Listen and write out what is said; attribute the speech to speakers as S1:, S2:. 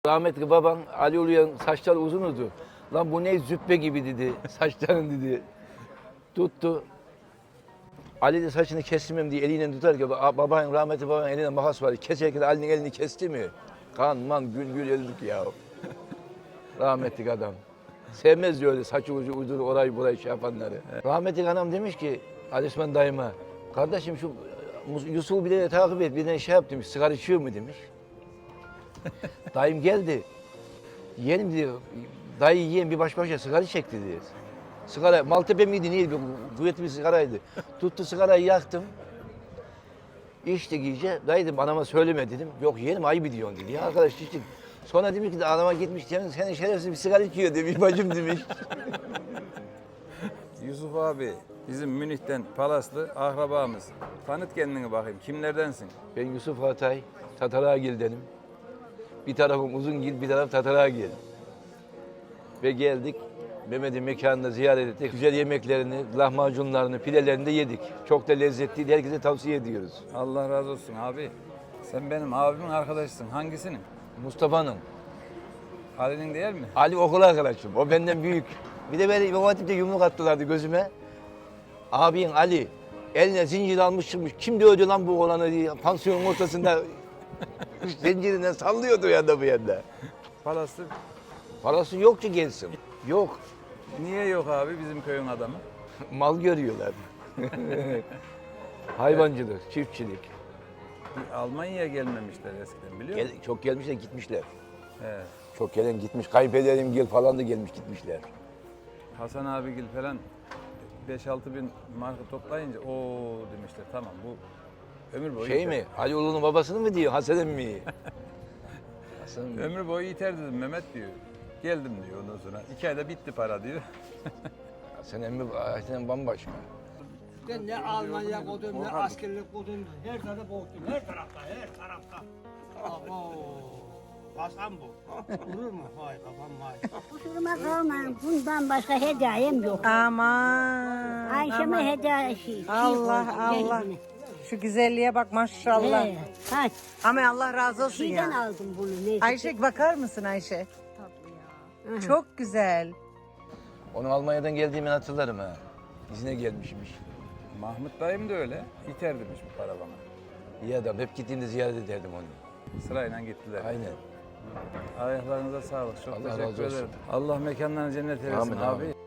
S1: Rahmetli baban Ali Uluyan saçları uzundu. Lan bu ne züppe gibi dedi. Saçların dedi. Tuttu. Ali de saçını kestirmem diye eliyle tutarken rahmetli babanın eline makas var. Keserken Ali'nin elini kesti mi? Kan man gül gül öldük ya. Rahmetli adam. Sevmez diyor öyle saçı ucu uyduru orayı burayı şey yapanları. Rahmetli anam demiş ki Ali Osman dayıma, kardeşim şu Yusuf'u bir de takip et, bir de şey yap demiş, sigara içiyor mu demiş. Dayım geldi. Yeğenim diyor, dayı yiyen bir baş başa sigara çekti diyor. Sigara, Maltepe miydi neydi, kuvvetli bir sigaraydı. Tuttu sigarayı yaktım. İçtik iyice, dayı dedim anama söyleme dedim. Yok yeğenim ayıp ediyorsun dedi. Ya arkadaş içtik. Sonra demiş ki anama gitmiş, senin şerefsiz bir sigara içiyor demiş, bacım demiş.
S2: Yusuf abi bizim Münih'ten Palaslı akrabamız. Tanıt kendini bakayım. Kimlerdensin?
S1: Ben Yusuf Hatay, Tataragil'denim. Bir tarafım Uzungil, bir taraf Tataragil. Ve geldik, Mehmet'in mekanını ziyaret ettik. Güzel yemeklerini, lahmacunlarını, pidelerini de yedik. Çok da lezzetliydi, herkese tavsiye ediyoruz.
S2: Allah razı olsun abi. Sen benim abimin arkadaşısın. Hangisinin?
S1: Mustafa'nın,
S2: Ali'nin değil mi?
S1: Ali okul arkadaşım, o benden büyük. Bir de beni İmam Hatip'te yumruk attılardı gözüme. Abin Ali, eline zincir almış çıkmış. Kim dövdü lan bu oğlanı diye, pansiyonun ortasında zincirinden sallıyordu ya da bu yanda.
S2: Palaslı.
S1: Parası yok ki gelsin. Yok.
S2: Niye yok abi bizim köyün adamı?
S1: Mal görüyorlar. Hayvancılık, çiftçilik.
S2: Almanya'ya gelmemişler eskiden biliyor musun?
S1: Çok gelmişler gitmişler.
S2: He.
S1: Çok gelen gitmiş. Kayınpederim gel falan da gelmiş gitmişler.
S2: Hasan abigil falan 5-6 bin marka toplayınca o demişler tamam bu ömür boyu
S1: Şey
S2: iter.
S1: mi? Ali Ulu'nun babasını mı diyor? Hasan emmi. Hasan emmi.
S2: Ömür boyu iter dedim Mehmet diyor. Geldim diyor ondan sonra. 2 ayda bitti para diyor.
S1: Hasan emmi Hasan bambaşka.
S3: Ben ne Almanya kodum, ne askerlik kodum, her tarafta korktum, her tarafta. Abo, Hasan bu. Vurur mu? Hay kafam vay.
S4: Kusuruma kalmayın, bundan başka hediyem yok.
S5: Aman.
S4: Ayşe'me
S5: aman.
S4: hediye
S5: Allah Allah. Şu güzelliğe bak maşallah.
S4: Kaç?
S5: Ama Allah razı olsun
S4: Şeyden
S5: ya.
S4: aldım bunu. Neyse.
S5: Ayşe bakar mısın Ayşe? Çok güzel.
S1: Onu Almanya'dan geldiğimi hatırlarım ha. İzine gelmişmiş.
S2: Mahmut dayım da öyle. İter demiş bu para bana.
S1: İyi adam. Hep gittiğimde ziyaret ederdim onu.
S2: Sırayla gittiler.
S1: Aynen.
S2: Ayaklarınıza sağlık. Çok
S1: Allah
S2: teşekkür
S1: razı olsun.
S2: ederim. Allah mekanlarını cennet eylesin
S1: Amin,
S2: abi.
S1: amin.